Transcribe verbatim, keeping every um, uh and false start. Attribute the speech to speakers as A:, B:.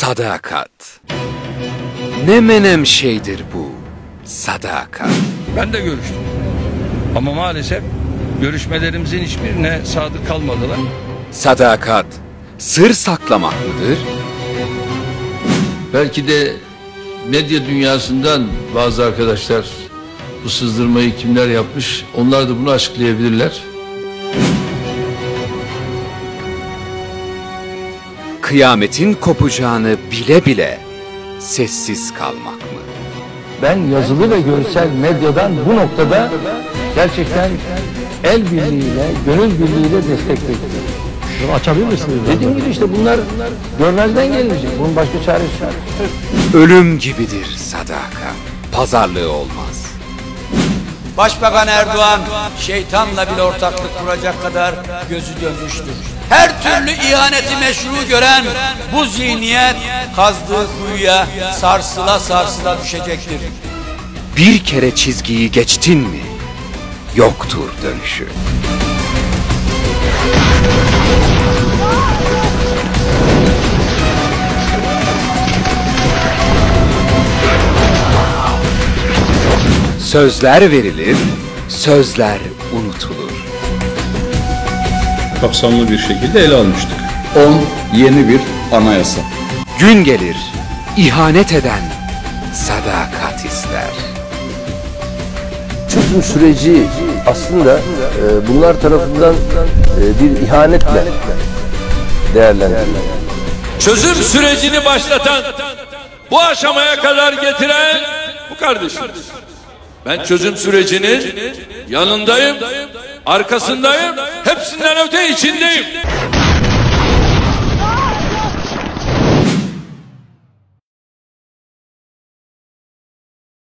A: Sadakat. Ne menem şeydir bu sadakat.
B: Ben de görüştüm. Ama maalesef görüşmelerimizin hiçbirine sadık kalmadılar.
A: Sadakat sır saklamak mıdır?
C: Belki de medya dünyasından bazı arkadaşlar bu sızdırmayı kimler yapmış, onlar da bunu açıklayabilirler.
A: Kıyametin kopacağını bile bile sessiz kalmak mı?
D: Ben yazılı ve görsel medyadan bu noktada gerçekten el birliğiyle, gönül birliğiyle destek bekliyorum.
E: Bunu açabilir misiniz?
D: Dediğim gibi işte bunlar görmezden gelinecek. Bunun başka çaresi yok.
A: Ölüm gibidir sadakat. Pazarlığı olmaz.
F: Başbakan Erdoğan şeytanla bile ortaklık kuracak kadar gözü dönmüştür. Her türlü ihaneti meşru gören bu zihniyet kazdığı kuyuya sarsıla sarsıla düşecektir.
A: Bir kere çizgiyi geçtin mi yoktur dönüşü. Sözler verilir, sözler unutulur.
G: Kapsamlı bir şekilde ele almıştık. on Yeni bir anayasa.
A: Gün gelir, ihanet eden sadakat ister.
D: Çözüm süreci aslında e, bunlar tarafından e, bir ihanetle değerlendiriliyor.
B: Çözüm sürecini başlatan, bu aşamaya kadar getiren bu kardeşimiz. Ben çözüm sürecinin yanındayım, arkasındayım, hepsinden öte içindeyim.